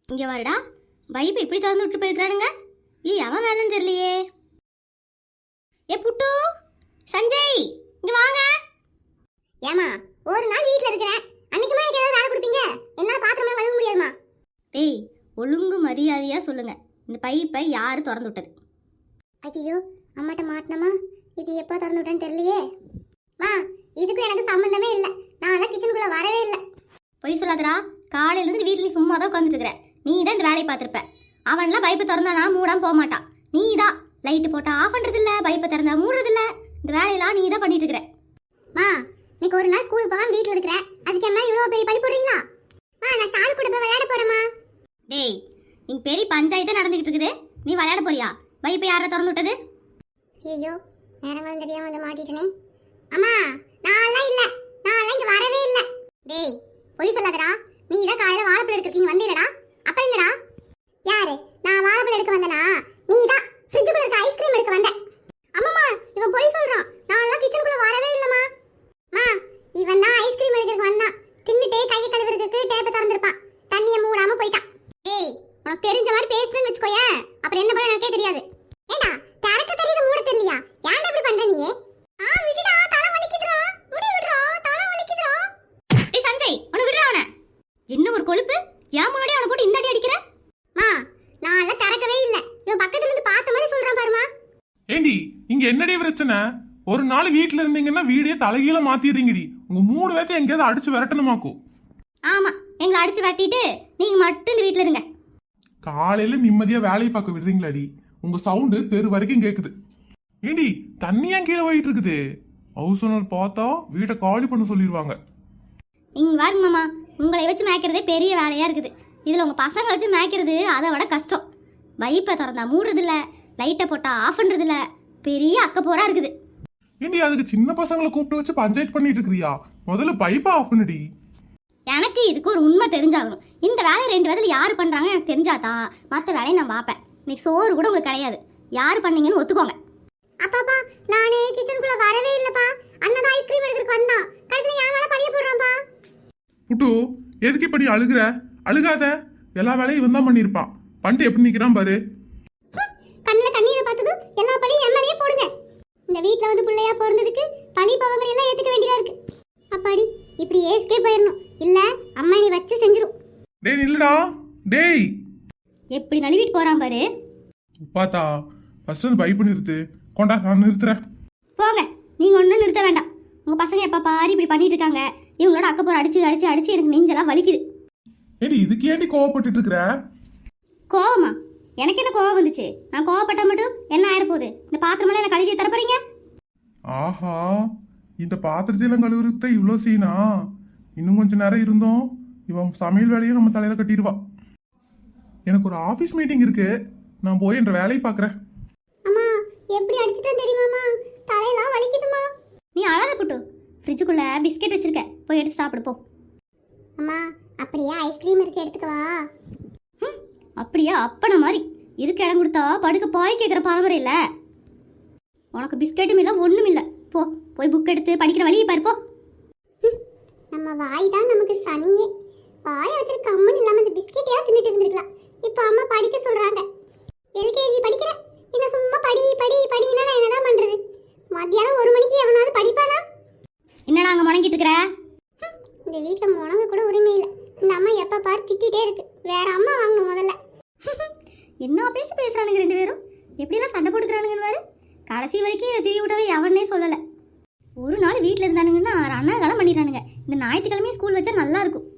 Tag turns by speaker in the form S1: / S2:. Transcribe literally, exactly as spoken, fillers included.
S1: இங்க வாருடா. பைப் இப்படி திறந்து விட்டு போயிருக்கானுங்க. இது எவன் வேலைன்னு தெரியலையே. ஏ புட்டு, சஞ்சய், இங்க வாங்க.
S2: ஏமா ஒரு நாள் வீட்ல இருக்கிறேன், அன்னைக்குமா எனக்கு ஏதாவது வேலை கொடுப்பீங்க? என்னால பாத்திரம்லாம் கழுவ முடியாதுமா.
S1: டேய், ஒழுங்கு மரியாதையா சொல்லுங்க, இந்த பைப்பை யாரு திறந்து விட்டது?
S2: ஐயோ, அம்மாட்ட மாட்டினமா, இது எப்போ திறந்து விட்டேன்னு தெரியலையே. மா, இதுக்கும் எனக்கு சம்மந்தமே இல்லை, நான் எல்லாம் கிச்சனுக்குள்ள வரவே இல்லை.
S1: பொய் சொல்லாதடா. காலையில இருந்து வீட்டுல சும்மா தான் உட்காந்துட்டு இருக்கிற. நீ தான் இந்த வேலையை பார்த்துருப்ப. அவன்லாம் பைப்பை திறந்தானா மூடாம போக மாட்டான். நீ தான் லைட்டு போட்டா ஆஃப் பண்றது இல்ல, பைப்பை திறந்தா மூடுறது இல்ல. இந்த வேலையெல்லாம் நீ தான் பண்ணிட்டு இருக்கிற.
S2: மா, இன்னைக்கு ஒரு நாள் ஸ்கூலுக்கு போகாம வீட்டுல இருக்கிறேன், அதுக்கு என்ன இவ்வளவு பெரிய பழி போடுறீங்களா? மா, நான் ஷாலு கூட போய் விளையாட போறேமா.
S1: டேய், இங்க பெரிய பஞ்சாயத்து நடந்துகிட்டு இருக்குது, நீ விளையாட போறியா? பைப்பை யாரை திறந்து விட்டது?
S2: ஐயோ, நேரங்களும் தெரியாம வந்து மாட்டிட்டனே. அம்மா, நான்லாம் இல்ல, நான்லாம் இங்க வரவே இல்ல. டேய், பொய் சொல்லாதடா. நீ தான் காலையில வாழைப்பழம் எடுக்கிறீங்க வந்தீங்கடா. அப்ப என்னடா? யாரு? நான் வாழைப்பழம் எடுக்க வந்தனா? நீ தான் ஃப்ரிட்ஜுக்குள்ள இருக்க ஐஸ்கிரீம் எடுக்க வந்த. அம்மாமா, இவன் பொய் சொல்றான். நான்லாம் கிச்சனுக்குள்ள வரவே இல்லம்மா. மா, இவன் தான் ஐஸ்கிரீம் எடுக்கிறதுக்கு வந்தான். தின்னுட்டே கையை கழுவுறதுக்கு டேப்பை திறந்திருப்பான், தண்ணியை மூடாம போயிட்டான். டேய், உனக்கு தெரிஞ்ச மாதிரி பேசுறேன்னு வச்சுக்கோயேன், அப்புறம் என்ன பண்ண எனக்கே தெரியாது. ஏண்டா, திறக்க தெரியுது மூட தெரியலையா? ஏன்டா இப்படி பண்ற நீ? ஆ, விடுடா, தலை வலிக்குதுடா. முடி விடுறா, தலை வலிக்குதுடா.
S1: டேய் சஞ்சய், உன விடுறா அவனை. என்ன ஒரு கொழுப்பு, ஏன் முன்னாடி அவனை போட்டு இந்த அடி அடிக்கிற?
S2: மா, நான்லாம் திறக்கவே இல்ல. இவன் பக்கத்துல இருந்து பார்த்த மாதிரி சொல்றான் பாருமா.
S3: ஏண்டி, இங்க என்னடி பிரச்சனை? ஒரு நாள் வீட்டுல இருந்தீங்கன்னா வீடியோ தலைகீழ மாத்திடுறீங்கடி. உங்க மூணு பேர்த்த எங்கேயாவது அடிச்சு விரட்டணுமாக்கும்.
S1: ஆமா, எங்களை அடிச்சு விரட்டிட்டு நீங்க மட்டும் இந்த வீட்டுல இருங்க.
S3: காலையில நிம்மதியா வேலையை பார்க்க விடுறீங்களாடி? உங்க சவுண்டு தெரு வரைக்கும் கேக்குது. ஏண்டி, தண்ணியா கீழே போயிட்டு இருக்குது? ஹவுஸ் ஓனர் பார்த்தா வீட்டை காலி பண்ண சொல்லிடுவாங்க.
S1: இங்க வாருங்க மாமா, உங்களை வச்சு மேய்க்கிறதே பெரிய வேலையா இருக்குது. இதுல உங்க பசங்களை வச்சு மேய்க்கிறது அதை விட கஷ்டம். பைப்பை திறந்தா மூடுறது இல்ல, லைட்டை போட்டா ஆஃப் பண்றது இல்ல, பெரிய அக்க போரா இருக்குது.
S3: ஏண்டி, அதுக்கு சின்ன பசங்களை கூப்பிட்டு வச்சு பஞ்சாயத்து பண்ணிட்டு இருக்கிறியா? முதல்ல பைப்பை ஆஃப் பண்ணுடி.
S1: எனக்கு இதுக்கு ஒரு உண்மை தெரிஞ்சாகணும். இந்த வேலையை ரெண்டு விதத்துல யாரு பண்றாங்க எனக்கு தெரிஞ்சாதான் மற்ற வேலையை நான் பார்ப்பேன். இன்னைக்கு சோறு கூட உங்களுக்கு கிடையாது. யாரு பண்ணீங்கன்னு ஒத்துக்கோங்க.
S2: அப்பாப்பா, நானே கிச்சனுக்குள்ள வரவே இல்லப்பா. அண்ணன் ஐஸ்கிரீம் எடுக்கிறதுக்கு வந்தான், கடைசில என் மேல பழிய போடுறான்ப்பா.
S3: புட்டு, எதுக்கு இப்படி அழுகுற? அழுகாத, எல்லா வேலையும் இவன் தான் பண்ணிருப்பான். பண்ணிட்டு எப்படி நிக்கிறான் பாரு.
S2: கண்ணுல கண்ணீரை பார்த்ததும் எல்லா பழியும் என் மேலேயே போடுங்க. இந்த வீட்டுல வந்து பிள்ளையா பிறந்ததுக்கு பழி பவங்களை எல்லாம் ஏத்துக்க வேண்டியதா இருக்கு. அப்பாடி, இப்படி ஏஸ்கே போயிடணும், இல்ல அம்மா நீ வச்சு செஞ்சிரும்.
S3: டேய் நில்லுடா, டேய்.
S1: எப்படி நழுவிட்டு போறான் பாரு.
S3: பாத்தா, ஃபர்ஸ்ட் அந்த பைப் நிறுத்து. கொண்டா, நான் நிறுத்துறேன்.
S1: போங்க, நீங்க ஒன்றும் நிறுத்த வேண்டாம். உங்க பசங்க எப்ப பாரு இப்படி பண்ணிட்டு இருக்காங்க. இவங்களோட அக்கப்போர் அடிச்சு அடிச்சு அடிச்சு எனக்கு நெஞ்செல்லாம் வலிக்குது.
S3: ஏடி, இதுக்கு ஏண்டி கோவப்பட்டுட்டு இருக்கிற?
S1: கோவமா? எனக்கு என்ன கோவம் வந்துச்சு? நான் கோவப்பட்டா மட்டும் என்ன ஆயிரப்போகுது? இந்த பாத்திரமெல்லாம் என்ன கழுவி தர போறீங்க?
S3: ஆஹா, இந்த பாத்திரத்தையெல்லாம் கழுவுறத இவ்வளோ சீனா? இன்னும் கொஞ்சம் நேரம் இருந்தோம் இவன் சமையல் வேலையை நம்ம தலையில கட்டிடுவா. எனக்கு ஒரு ஆஃபீஸ் மீட்டிங் இருக்கு, நான் போய் என்ற வேலையை பார்க்குறேன்.
S2: அம்மா, எப்படி அடிச்சிட்டேன் தெரியுமாமா? தலையெல்லாம் வலிக்குதுமா.
S1: நீ அழாத புட்டு, ஃப்ரிட்ஜுக்குள்ள பிஸ்கெட் வச்சிருக்க, போய் எடுத்து சாப்பிடு போ.
S2: அம்மா, அப்படியே ஐஸ்கிரீம் இருக்கு, எடுத்துக்கவா?
S1: அப்படியா அப்பன மாதிரி இருக்க இடம் கொடுத்தா படுக்க பாய் கேட்குற பரம்பரை இல்லை. உனக்கு பிஸ்கெட்டும் இல்லை ஒன்றும் இல்லை. போ, போய் புக் எடுத்து படிக்கிற வழியை பாரு போ.
S2: நம்ம வாய் தான் நமக்கு சனியே. வாயை வச்சிருக்க அம்மன் இல்லாம இந்த பிஸ்கெட்டையா தின்னுட்டு இருந்திருக்கலாம். இப்போ அம்மா படிக்க சொல்றாங்க. எல்கேஜி படிக்கிறேன், இல்லை சும்மா படி படி படினா நான் என்னதான் பண்றது? மத்தியானம் ஒரு மணிக்கு எவனாவது படிப்பானா?
S1: என்னடா அங்கே முடங்கிட்டு இருக்கிற?
S2: இந்த வீட்டில் முடங்க கூட உரிமை இல்லை. இந்த அம்மா எப்போ பாரு திட்டிகிட்டே இருக்கு. வேற அம்மா வாங்கணும் முதல்ல.
S1: என்ன பேசி பேசுறானுங்க ரெண்டு பேரும், எப்படிலாம் சண்டை போட்டுக்கிறானுங்கன்னு பாரு. கடைசி வரைக்கும் இதை தெரிய விடவே எவனே சொல்லலை. ஒரு நாள் வீட்டில் இருந்தானுங்கன்னா அண்ணாகாலம் பண்ணிடுறானுங்க. இந்த ஞாயிற்றுக்கிழமையும் ஸ்கூல் வச்சா நல்லா இருக்கும்.